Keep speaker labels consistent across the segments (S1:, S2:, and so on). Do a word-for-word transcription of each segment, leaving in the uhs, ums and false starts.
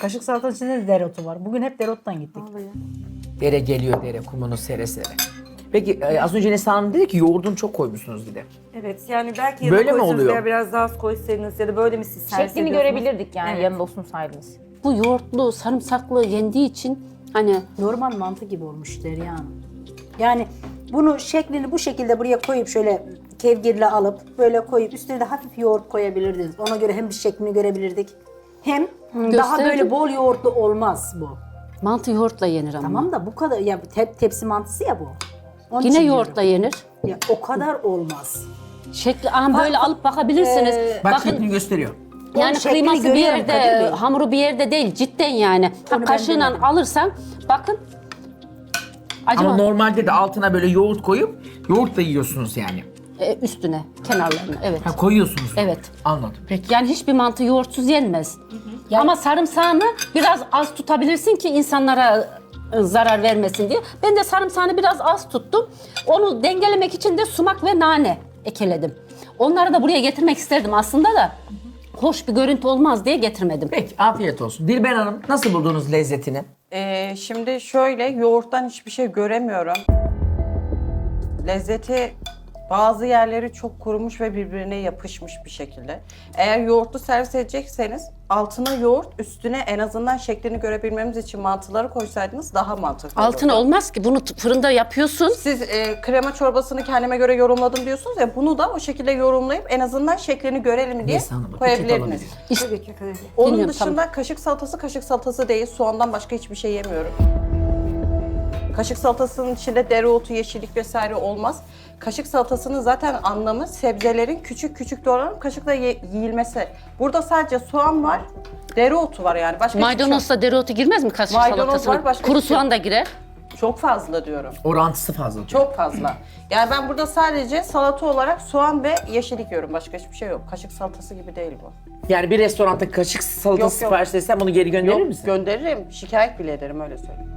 S1: Kaşık salatanın içinde de dereotu var. Bugün hep dereottan gittik.
S2: Dere geliyor dere, kumunu sere sere. Peki e, az önce Neslihan Hanım dedi ki yoğurdunu çok koymuşsunuz bir de.
S3: Evet yani belki
S2: Böyle
S3: yanına
S2: mi
S3: koysanız
S2: oluyor?
S3: veya biraz daha az koysaydınız ya da böyle mi siz servis
S4: Şeklini
S3: ediyorsunuz?
S4: görebilirdik yani
S3: Evet.
S4: yanında olsaydınız.
S5: Bu yoğurtlu, sarımsaklı yendiği için hani
S1: Normal mantı gibi olmuş Derya Hanım. Yani bunu şeklini bu şekilde buraya koyup şöyle kevgirle alıp böyle koyup üstüne de hafif yoğurt koyabilirdiniz. Ona göre hem bir şeklini görebilirdik. Hem daha
S5: Gösterdim.
S1: böyle bol yoğurtlu olmaz bu.
S5: mantı yoğurtla yenir ama.
S1: Tamam da bu kadar ya tep, tepsi mantısı ya bu. Onun
S5: Yine
S1: için
S5: yoğurtla
S1: diyorum.
S5: yenir.
S1: Ya o kadar olmaz.
S5: Şekli aha böyle alıp bakabilirsiniz.
S2: Bak
S5: Bakın
S2: şeklini gösteriyor.
S5: yani
S1: Onun şeklini
S5: kıyması bir
S1: görüyorum Kadir
S5: yerde,
S1: Bey.
S5: hamuru bir yerde değil cidden yani. Ha,
S1: Onu ben
S5: kaşığıyla
S1: denedim.
S5: alırsan bakın. Acaba
S2: Ama normalde de altına böyle yoğurt koyup yoğurt da yiyorsunuz yani.
S5: e, üstüne, kenarlarına evet.
S2: Ha koyuyorsunuz.
S5: Evet.
S2: Anladım. Peki.
S5: Yani hiçbir mantı yoğurtsuz yenmez. Ama sarımsağını biraz az tutabilirsin ki insanlara e, zarar vermesin diye. Ben de sarımsağını biraz az tuttum. Onu dengelemek için de sumak ve nane ekledim. Onları da buraya getirmek isterdim aslında da. Hoş bir görüntü olmaz diye getirmedim.
S2: Peki afiyet olsun. Dilber Hanım nasıl buldunuz lezzetini?
S3: Ee, şimdi şöyle yoğurttan hiçbir şey göremiyorum. Lezzeti bazı yerleri çok kurumuş ve birbirine yapışmış bir şekilde. Eğer yoğurtlu servis edecekseniz altına yoğurt, üstüne en azından şeklini görebilmemiz için mantıları koysaydınız daha mantıklı olurdu.
S5: Altına olmaz ki bunu t- fırında yapıyorsun.
S3: Siz e, krema çorbasını kendime göre yorumladım diyorsunuz ya, bunu da o şekilde yorumlayıp en azından şeklini görelim diye
S2: Neslihan Hanım, peçete
S3: koyabilirdiniz.
S2: alabilirim.
S5: İşte-
S3: Tabii ki. tabii ki. Onun
S5: Dinliyorum,
S3: dışında
S5: tamam.
S3: kaşık salatası kaşık salatası değil. Soğandan başka hiçbir şey yemiyorum. Kaşık salatasının içinde dereotu, yeşillik vesaire olmaz. Kaşık salatasının zaten anlamı sebzelerin küçük küçük doğranıp kaşıkla ye- yiyilmesi. Burada sadece soğan var, dereotu var yani. Başka hiçbir şey yok.
S5: Maydanozla dereotu girmez mi kaşık
S3: Maydanoz
S5: salatasına?
S3: var, başka
S5: Kuru
S3: hiçbir şey
S5: soğan
S3: yok.
S5: da girer.
S3: Çok fazla diyorum.
S2: Orantısı fazla.
S3: Çok fazla. Yani ben burada sadece salata olarak soğan ve yeşillik yiyorum. Başka hiçbir şey yok. Kaşık salatası gibi değil bu.
S2: Yani bir restoranda kaşık salatası
S3: Yok, yok.
S2: sipariş etsem bunu geri gönderir
S3: Yok,
S2: misin?
S3: gönderirim. Şikayet bile ederim, öyle söyleyeyim.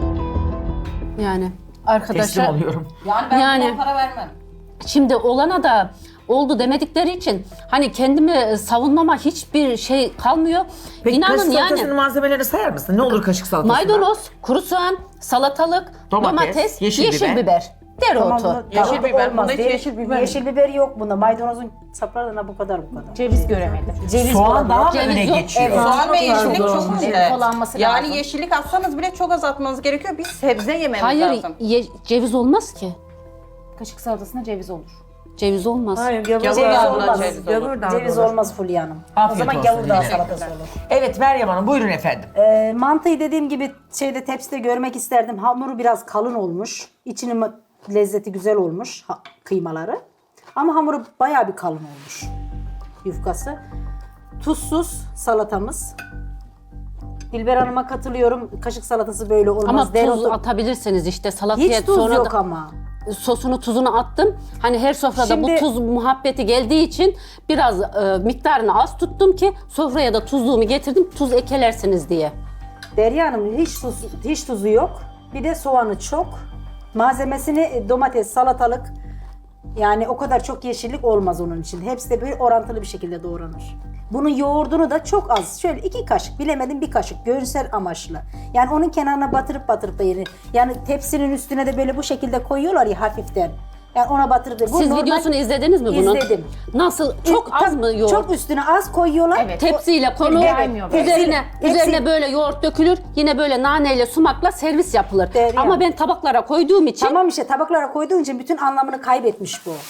S5: Yani
S2: Teslim
S5: arkadaşlar
S2: oluyorum.
S3: Yani ben
S5: Yani-
S3: buna para vermem.
S5: şimdi olana da oldu demedikleri için hani kendimi savunmama hiçbir şey kalmıyor.
S2: Peki
S5: İnanın
S2: kaşık salatasının
S5: yani
S2: malzemelerini sayar mısın? Ne olur kaşık salatasında?
S5: maydanoz, kuru soğan, salatalık,
S2: Domates,
S5: domates,
S2: yeşil
S5: yeşil,
S2: biber.
S5: biber, dereotu.
S1: Tamam,
S3: Yeşil
S1: tamam,
S3: biber,
S1: olmaz
S3: bunda hiç
S1: değil.
S3: yeşil biber
S1: Yeşil biber yok bunda. Maydanozun saplarına bu kadar bu kadar.
S4: Ceviz göremedim.
S1: Ceviz
S2: Soğan
S1: olabilir.
S2: daha mı
S5: Ceviz
S2: öne
S5: yok.
S2: geçiyor?
S1: Evet.
S3: Soğan ve
S1: Çok
S3: yeşillik
S1: lazım.
S3: çok
S4: Evet,
S3: önemli.
S4: kullanması
S3: Yani
S4: lazım.
S3: yeşillik atsanız bile çok az atmanız gerekiyor. Bir sebze yememiz
S5: Hayır
S3: lazım.
S5: ye- ceviz olmaz ki.
S4: Kaşık salatasına ceviz olur.
S5: Ceviz olmaz.
S3: Gavur
S1: Ceviz
S3: dağından
S1: olmaz.
S3: ceviz olur.
S1: Ceviz olmaz Fulya Hanım.
S2: Afiyet
S1: o zaman
S2: olsun,
S1: gavur dağı
S2: Dilber.
S1: salatası olur.
S2: Evet Meryem Hanım buyurun efendim.
S1: Ee, mantıyı dediğim gibi şeyde tepside görmek isterdim. Hamuru biraz kalın olmuş. İçinin ma- lezzeti güzel olmuş ha- kıymaları. Ama hamuru bayağı bir kalın olmuş. Yufkası. Tuzsuz salatamız. Dilber Hanım'a katılıyorum. Kaşık salatası böyle olmaz.
S5: Ama tuz
S1: Dereotu-
S5: atabilirsiniz işte salataya
S1: Hiç tuz
S5: sonra
S1: yok
S5: da
S1: ama.
S5: sosunu tuzunu attım. Hani her sofrada
S1: Şimdi-
S5: bu tuz muhabbeti geldiği için biraz e, miktarını az tuttum ki sofraya da tuzluğumu getirdim. Tuz ekelersiniz diye.
S1: Derya Hanım hiç tuz, hiç tuzu yok. Bir de soğanı çok. Malzemesini e, domates, salatalık, yani o kadar çok yeşillik olmaz onun için. Hepsi de böyle orantılı bir şekilde doğranır. Bunun yoğurdunu da çok az. Şöyle iki kaşık, bilemedim bir kaşık görsel amaçlı. Yani onun kenarına batırıp batırıp da yenir. Yani tepsinin üstüne de böyle bu şekilde koyuyorlar ya hafiften. Yani ona batırıp da. Bu
S5: Siz
S1: normal-
S5: videosunu izlediniz mi bunun?
S1: İzledim.
S5: Nasıl? Çok
S1: E,
S5: az
S1: tabii,
S5: mı yoğurt?
S1: Çok üstüne az koyuyorlar.
S4: Evet.
S5: Tepsiyle konu
S4: Gelmiyor böyle.
S5: üzerine
S1: Hepsi-
S5: üzerine böyle yoğurt dökülür. Yine böyle naneyle sumakla servis yapılır.
S1: Derya.
S5: Ama ben tabaklara koyduğum için
S1: Tamam işte tabaklara koyduğun için bütün anlamını kaybetmiş bu.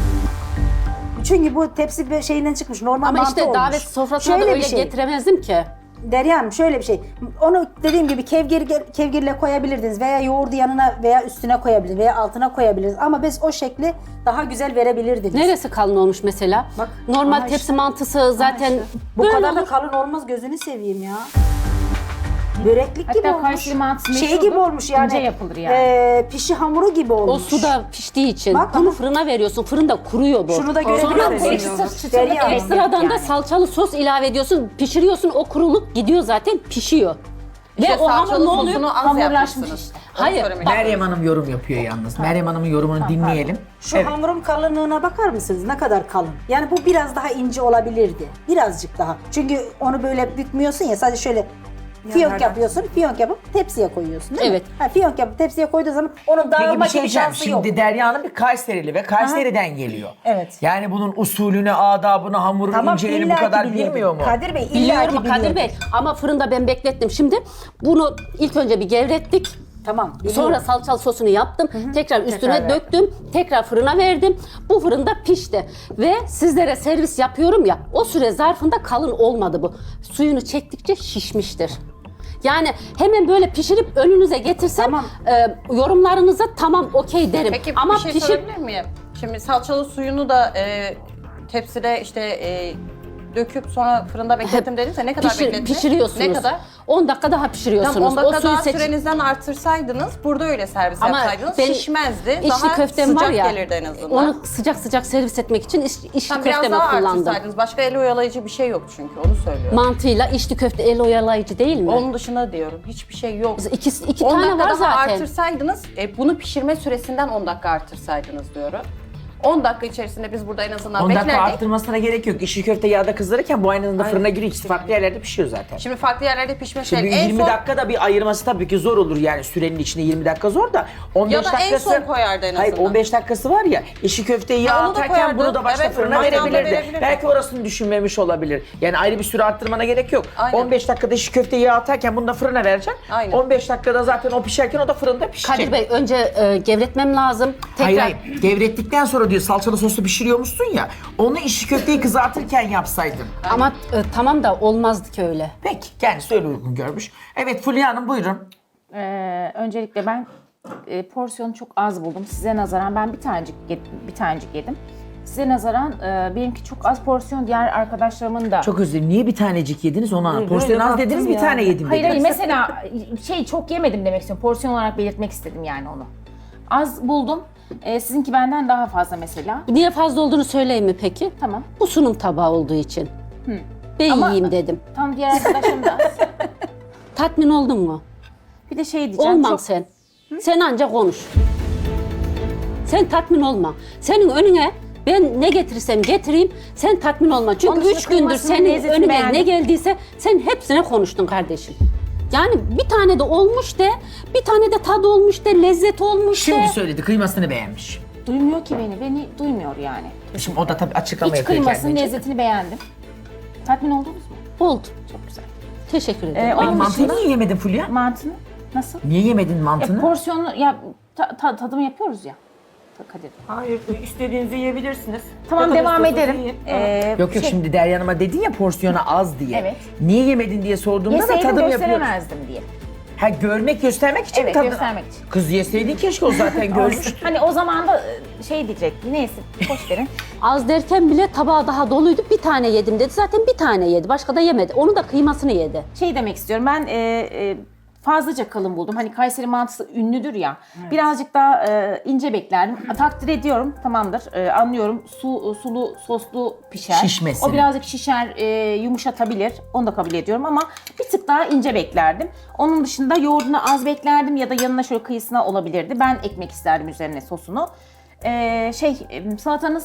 S1: Çünkü bu tepsi bir şeyinden çıkmış. Normal
S5: ama
S1: mantı
S5: işte
S1: olmuş.
S5: davet sofrasına
S1: Şöyle
S5: da
S1: bir
S5: öyle
S1: şey.
S5: getiremezdim ki.
S1: Derya Hanım şöyle bir şey. Onu dediğim gibi kevgir, kevgirle koyabilirdiniz veya yoğurdu yanına veya üstüne koyabilirsiniz veya altına koyabiliriz. Ama biz o şekli daha güzel verebilirdiniz.
S5: Neresi kalın olmuş mesela?
S1: Bak,
S5: Normal
S1: aha
S5: tepsi
S1: işte.
S5: mantısı zaten
S1: İşte. Bu
S5: böyle
S1: kadar da
S5: olur.
S1: kalın olmaz, gözünü seveyim ya. Böreklik
S4: Hatta
S1: gibi olmuş.
S4: Kayseri mantısı
S1: Şey
S4: meşhurdur,
S1: gibi olmuş yani.
S4: ince yapılır yani.
S1: e, pişi hamuru gibi
S5: O
S1: olmuş.
S5: suda piştiği için.
S1: Bak
S5: Bunu
S1: ama-
S5: fırına veriyorsun. Fırında kuruyor bu.
S1: Şunu da
S5: Sonra
S1: görebilirsiniz.
S4: ekstra
S1: Derya
S4: çıtırlık
S1: Hanım.
S5: ekstradan da
S4: yani.
S5: salçalı sos ilave ediyorsun. Pişiriyorsun. O kuruluk gidiyor zaten pişiyor.
S3: İşte
S5: Ve o hamur
S3: salçalı
S5: ne oluyor?
S3: sosunu az
S4: Hamurlaşmış
S3: yapmışsınız.
S4: işte.
S3: Onu
S5: Hayır,
S3: söylemek
S5: bak-
S3: istiyorum.
S2: Meryem Hanım yorum yapıyor yalnız. Meryem Hanım'ın yorumunu dinleyelim.
S1: Şu
S2: Evet.
S1: hamurun kalınlığına bakar mısınız? Ne kadar kalın. Yani bu biraz daha ince olabilirdi. Birazcık daha. Çünkü onu böyle bükmüyorsun ya, sadece şöyle Fiyonk yapıyorsun, fiyonk yapıp tepsiye koyuyorsun değil
S5: Evet.
S1: mi? Ha, fiyonk yapıp tepsiye koyduğu zaman onun
S2: Peki bir
S1: dağılma
S2: şey
S1: gibi
S2: diyeceğim.
S1: şansı yok.
S2: Şimdi Derya Hanım bir Kayserili ve Kayseri'den geliyor.
S1: Evet.
S2: Yani bunun usulünü, adabını, hamurun
S1: Tamam,
S2: inceliğini bu
S1: illaki
S2: kadar
S1: biliyordur.
S2: bilmiyor mu?
S1: Kadir Bey illaki
S5: Biliyorum Kadir
S1: biliyordur.
S5: Bey ama fırında ben beklettim. Şimdi bunu ilk önce bir gevrettik.
S1: Tamam. biliyorum.
S5: Sonra salçalı sosunu yaptım. Tekrar üstüne döktüm. Tekrar fırına verdim. Bu fırında pişti. Ve sizlere servis yapıyorum ya, o süre zarfında kalın olmadı bu. Suyunu çektikçe şişmiştir. Yani hemen böyle pişirip önünüze getirsem
S1: Tamam.
S5: e, yorumlarınıza tamam okey derim.
S3: Peki
S5: Ama
S3: bir şey
S5: pişir
S3: sorabilir miyim? Şimdi salçalı suyunu da e, tepside işte e, döküp sonra fırında beklettim dediniz ya, ne kadar
S5: pişir-
S3: beklettiniz?
S5: pişiriyorsunuz.
S3: Ne kadar?
S5: on dakika daha pişiriyorsunuz.
S3: Tamam, on dakika
S5: o suyu
S3: daha
S5: seç-
S3: sürenizden artırsaydınız, burada öyle servis
S5: Ama
S3: yapsaydınız
S5: ben
S3: şişmezdi.
S5: içli
S3: Daha
S5: köftem
S3: sıcak
S5: var ya,
S3: gelirdi en azından.
S5: onu sıcak sıcak servis etmek için iç, içli
S3: Tam biraz
S5: köftemi
S3: daha
S5: kullandım.
S3: artırsaydınız. Başka el oyalayıcı bir şey yok çünkü, onu söylüyorum.
S5: Mantıyla içli köfte el oyalayıcı değil mi?
S3: Onun dışında diyorum, hiçbir şey yok.
S5: İki, iki
S3: on
S5: tane
S3: dakika
S5: var
S3: daha
S5: zaten.
S3: artırsaydınız, e, bunu pişirme süresinden on dakika artırsaydınız diyorum. on dakika içerisinde biz burada en azından
S2: on dakika
S3: beklerdik.
S2: arttırmasına gerek yok. İşi köfte yağda kızdırırken bu aynı anda fırına giriyor. İkisi farklı yerlerde pişiyor zaten.
S3: Şimdi farklı yerlerde pişme
S2: Şimdi
S3: şey. En
S2: yirmi
S3: son
S2: dakikada bir ayırması tabii ki zor olur yani sürenin içinde yirmi dakika zor da on beş
S3: Ya da en
S2: dakikası
S3: son koyardı en
S2: Hayır
S3: azından.
S2: on beş dakikası var ya işi köfteyi yağ
S3: Ha, onu da
S2: atarken
S3: koyardı.
S2: bunu da başka
S3: Evet,
S2: fırına
S3: aynı anda
S2: verebilirdi.
S3: verebilirdi.
S2: Belki orasını düşünmemiş olabilir. Yani ayrı bir süre arttırmana gerek yok.
S3: Aynen.
S2: on beş dakikada işi köfteyi yağ atarken bunu da fırına vereceksin.
S3: Aynen.
S2: on beş dakikada zaten o pişerken o da fırında pişecek.
S5: Kadir Bey önce e, gevretmem lazım. Tekrar
S2: Hayır hayır. Gevrettikten sonra diyor salçalı soslu pişiriyormuşsun ya. Onu işi köfteyi kızartırken yapsaydın.
S5: ama e, tamam da olmazdı ki öyle.
S2: Peki kendisi öyle uygun görmüş. Evet Fulya Hanım buyurun.
S4: Ee, öncelikle ben e, porsiyonu çok az buldum. Size nazaran ben bir tanecik yedim, bir tanecik yedim. Size nazaran e, benimki çok az porsiyon, diğer arkadaşlarımın da.
S2: Çok özür dilerim. Niye bir tanecik yediniz onu anlamadım. Porsiyon az
S1: baktım
S2: dediniz bir
S1: ya.
S2: tane yedim
S4: Hayır
S2: dediniz.
S4: hayır, mesela şey çok yemedim demek istiyorum. Porsiyon olarak belirtmek istedim yani onu. Az buldum. Ee, sizinki benden daha fazla mesela.
S5: Niye fazla olduğunu söyleyeyim mi peki?
S4: Tamam.
S5: Bu sunum tabağı olduğu için. Ben
S4: Ama-
S5: yiyeyim dedim.
S4: Tam diğer arkadaşım da az.
S5: Tatmin oldun mu?
S4: Bir de şey diyeceğim.
S5: Olmam
S4: çok...
S5: sen. Sen ancak konuş. Sen tatmin olma. Senin önüne ben ne getirirsem getireyim, sen tatmin olma. Çünkü
S4: Onun dışında
S5: üç gündür
S4: kıymasının
S5: senin
S4: lezzetini
S5: önüne
S4: beğendim.
S5: ne geldiyse sen hepsine konuştun kardeşim. Yani bir tane de olmuş de, bir tane de tadı olmuş de, lezzet olmuş
S2: Şimdi
S5: de.
S2: söyledi kıymasını beğenmiş.
S4: Duymuyor ki beni. Beni duymuyor yani.
S2: Şimdi o da tabii açıklama
S4: İç
S2: yapıyor
S4: kıymasının
S2: kendince.
S4: lezzetini beğendim. Tatmin oldunuz mu?
S5: Oldu.
S4: Çok güzel.
S5: Teşekkür ederim.
S4: Ee,
S2: Peki
S4: onun
S2: mantıyı
S4: dışında
S2: niye yemedin Fulya?
S4: mantını nasıl?
S2: Niye yemedin
S4: Ya
S2: mantını?
S4: porsiyonu ya ta, ta- tadım yapıyoruz ya. Kadir.
S6: Hayır, istediğinizi yiyebilirsiniz.
S4: Tamam,
S6: Ne kadar
S4: devam
S6: istiyorsanız
S4: ederim.
S6: yiyin.
S4: Ee,
S2: Yok yok
S4: şey,
S2: şimdi Derya Hanım'a dedin ya porsiyonu az diye.
S4: Evet.
S2: Niye yemedin diye sorduğumda da
S4: yeseydim
S2: tadım yapıyor.
S4: gösteremezdim diye.
S2: Ha görmek göstermek için mi
S4: Evet,
S2: tadını?
S4: göstermek için.
S2: Kız yeseydin keşke o zaten görmüş.
S4: Hani o zaman da e, şey diyecekti. Neyse, boş verin.
S5: Az derken bile tabağı daha doluydu. Bir tane yedim dedi. Zaten bir tane yedi. Başka da yemedi. Onu da kıymasını yedi.
S4: Şey demek istiyorum. Ben e, e, fazlaca kalın buldum. Hani Kayseri mantısı ünlüdür ya. Birazcık daha e, ince beklerdim. Takdir ediyorum. Tamamdır. E, anlıyorum. Su sulu soslu pişer.
S2: Şişmesin.
S4: O birazcık şişer, e, yumuşatabilir. Onu da kabul ediyorum ama bir tık daha ince beklerdim. Onun dışında yoğurdunu az beklerdim ya da yanına şöyle kıyısına olabilirdi. Ben ekmek isterdim üzerine sosunu. E, şey e, salatanız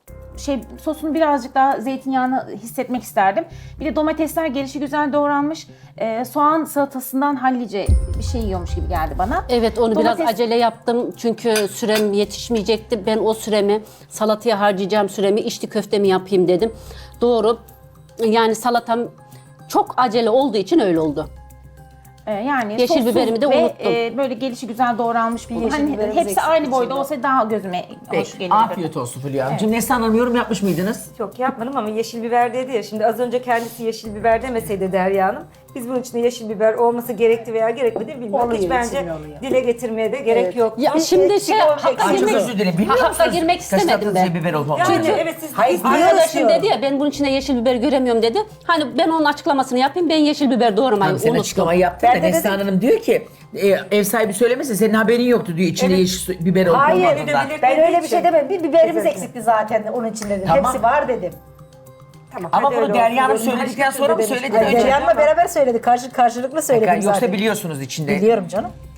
S4: şey sosunu birazcık daha zeytinyağını hissetmek isterdim. Bir de domatesler gelişi güzel doğranmış. Ee, soğan salatasından hallice bir şey yiyormuş gibi geldi bana.
S5: Evet onu biraz
S4: Domates-
S5: acele yaptım çünkü sürem yetişmeyecekti. Ben o süremi salataya harcayacağım süremi içli köftemi yapayım dedim. Doğru. Yani salatam çok acele olduğu için öyle oldu.
S4: Ee, yani
S5: Yeşil
S4: sossuz
S5: biberimi de
S4: ve,
S5: unuttum.
S4: e, böyle gelişi güzel doğranmış buldum.
S1: yeşil
S4: Hani
S1: biberimiz
S4: hepsi
S1: eksik
S4: aynı boyda
S1: içinde.
S4: olsa daha gözüme hoş
S2: Peki,
S4: gelirdi.
S2: afiyet olsun Fulya Hanımcığım. Neslihan Hanım yorum yapmış mıydınız?
S6: Çok yapmadım ama yeşil biber dedi ya. Şimdi az önce kendisi yeşil biber demeseydi Derya Hanım, biz bunun içinde yeşil biber olması gerekti veya gerekmedi bilmiyorum.
S1: Oluyor,
S6: Hiç bence
S1: içinde oluyor.
S6: dile getirmeye de gerek yok.
S5: Ya şimdi şey hakka
S2: Ay çok
S5: girmek,
S2: özür dilerim. Bilmiyor
S5: hakka
S2: musunuz?
S5: girmek istemedim
S2: Kaşıklı
S5: ben.
S2: biber olmaz.
S6: Yani evet siz
S1: Hayır,
S6: biz-
S1: biliyoruz.
S5: Arkadaşım
S1: Biliyorsun.
S5: dedi ya ben bunun içine yeşil biber göremiyorum dedi. Hani ben onun açıklamasını yapayım ben yeşil biber doğramayı
S2: Tamam, sen
S5: unuttum.
S2: açıklamayı yaptın
S1: Ben
S2: da
S1: de
S2: Neslihan
S1: dedim-
S2: Hanım diyor ki e, ev sahibi söylemesin senin haberin yoktu diyor içinde
S6: Evet.
S2: yeşil su- biber olup
S1: Hayır,
S2: olmadığından.
S6: öyle
S1: ben öyle bir
S6: için.
S1: şey demedim. Bir biberimiz
S6: Kesinlikle.
S1: eksikti zaten onun için dedim.
S2: Tamam.
S1: Hepsi var dedim.
S6: Tamam,
S2: Ama
S6: hadi
S2: bunu
S6: öyle
S2: Derya Hanım
S6: olsun.
S2: söyledikten sonra mı
S6: Demiş.
S2: söyledi?
S1: Yani
S2: Önce-
S1: Derya Hanım'la beraber söyledi. Karşı, karşılıklı söyledim
S2: Yoksa
S1: zaten.
S2: biliyorsunuz içinde.
S1: Biliyorum canım.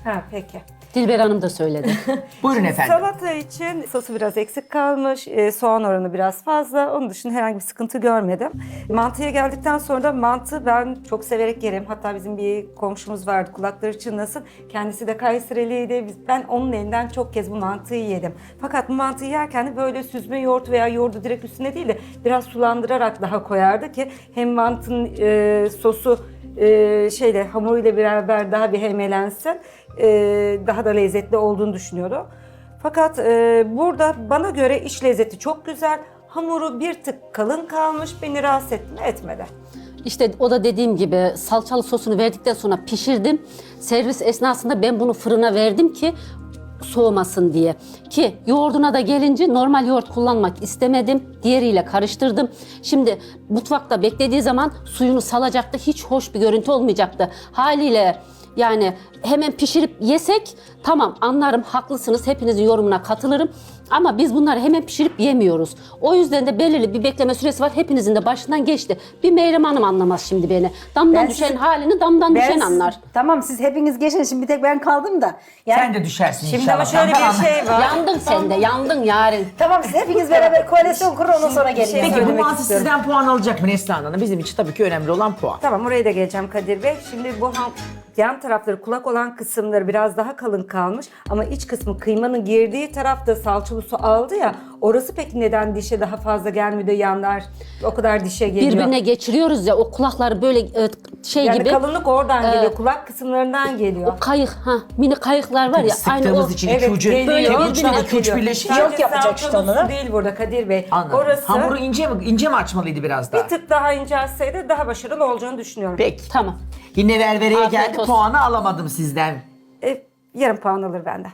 S6: Ha peki.
S5: Dilber Hanım da söyledi.
S2: Buyurun efendim.
S6: Salata için sosu biraz eksik kalmış, e, soğan oranı biraz fazla. Onun dışında herhangi bir sıkıntı görmedim. Mantıya geldikten sonra da mantı ben çok severek yerim. Hatta bizim bir komşumuz vardı, kulakları çınlasın. Kendisi de Kayseriliydi. Biz- Ben onun elinden çok kez bu mantıyı yedim. Fakat bu mantıyı yerken de böyle süzme yoğurt veya yoğurdu direkt üstüne değil de biraz sulandırarak daha koyardı ki hem mantının e, sosu e, şeyle hamuruyla beraber daha bir hemelensin. E, daha da lezzetli olduğunu düşünüyorum. Fakat e, burada bana göre iç lezzeti çok güzel. Hamuru bir tık kalın kalmış. Beni rahatsız etti mi? Etmedi.
S5: İşte o da dediğim gibi salçalı sosunu verdikten sonra pişirdim. Servis esnasında ben bunu fırına verdim ki soğumasın diye. Ki yoğurduna da gelince normal yoğurt kullanmak istemedim. Diğeriyle karıştırdım. Şimdi mutfakta beklediği zaman suyunu salacaktı. Hiç hoş bir görüntü olmayacaktı. Haliyle yani hemen pişirip yesek tamam anlarım, haklısınız, hepinizin yorumuna katılırım. Ama biz bunları hemen pişirip yemiyoruz. O yüzden de belirli bir bekleme süresi var. Hepinizin de başından geçti. Bir Meyrem Hanım anlamaz şimdi beni. Damdan
S1: Ben
S5: düşen
S1: sizi-
S5: halini damdan
S1: Ben
S5: düşen
S1: siz-
S5: anlar.
S1: Tamam siz hepiniz geçin, şimdi bir tek ben kaldım da. Yani,
S2: Sen de düşersin
S6: Şimdi
S2: inşallah.
S6: ama şöyle
S2: Tamam.
S6: bir şey var.
S5: Yandın sen de, yandın yarın.
S1: Tamam siz hepiniz beraber koalisyon kurun, ondan sonra gelin.
S2: Peki bu
S6: söylemek
S2: mantı
S6: istiyorum.
S2: sizden puan alacak mı Neslihan Hanım? Bizim için tabii ki önemli olan puan.
S6: Tamam, oraya da geleceğim Kadir Bey. Şimdi bu ham, yan tarafları, kulak olan kısımları biraz daha kalın kalmış. Ama iç kısmı, kıymanın girdiği tarafta salçalı su aldı ya. Orası peki neden dişe daha fazla gelmiyor da yanlar o kadar dişe geliyor?
S5: Birbirine geçiriyoruz ya, o kulakları böyle e, şey
S6: yani
S5: gibi.
S6: kalınlık oradan
S5: Ee,
S6: geliyor. Kulak kısımlarından geliyor.
S5: O kayık, ha mini kayıklar var ya. Aynı o.
S2: Sıktığımız için iki
S6: Evet,
S2: ucu,
S6: geliyor.
S2: iki
S5: Böyle
S2: uçtan
S5: birbirine
S2: iki uç
S6: geliyor.
S2: birleşince
S6: Sadece
S1: Yok yapacak işte
S6: salçalı
S1: onu.
S6: su değil burada Kadir Bey.
S2: anladım.
S6: Orası
S2: Hamuru ince mi, ince mi açmalıydı biraz daha?
S6: bir tık daha ince açsaydı daha başarılı olacağını düşünüyorum.
S2: Peki.
S5: Tamam.
S2: Yine ververeye
S5: Afiyet
S2: geldi,
S5: olsun.
S2: puanı alamadım sizden.
S6: E, yarım puan alır benden.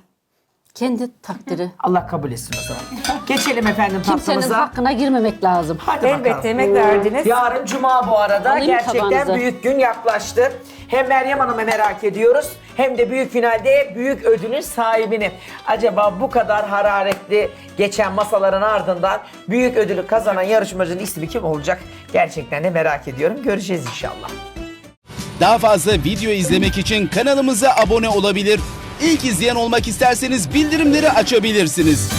S5: Kendi takdiri.
S2: Allah kabul etsin o zaman. Geçelim efendim
S5: Kimsenin
S2: tatlımıza.
S5: hakkına girmemek lazım.
S2: Hadi
S6: Elbette
S2: bakalım.
S6: emek verdiniz.
S2: Yarın Cuma bu arada.
S5: Alayım mı
S2: Gerçekten
S5: tabağınızı?
S2: büyük gün yaklaştı. Hem Meryem Hanım'ı merak ediyoruz hem de büyük finalde büyük ödülün sahibini. Acaba bu kadar hararetli geçen masaların ardından büyük ödülü kazanan yarışmacının ismi kim olacak? Gerçekten de merak ediyorum. Göreceğiz inşallah.
S7: Daha fazla video izlemek için kanalımıza abone olabilir. İlk izleyen olmak isterseniz bildirimleri açabilirsiniz.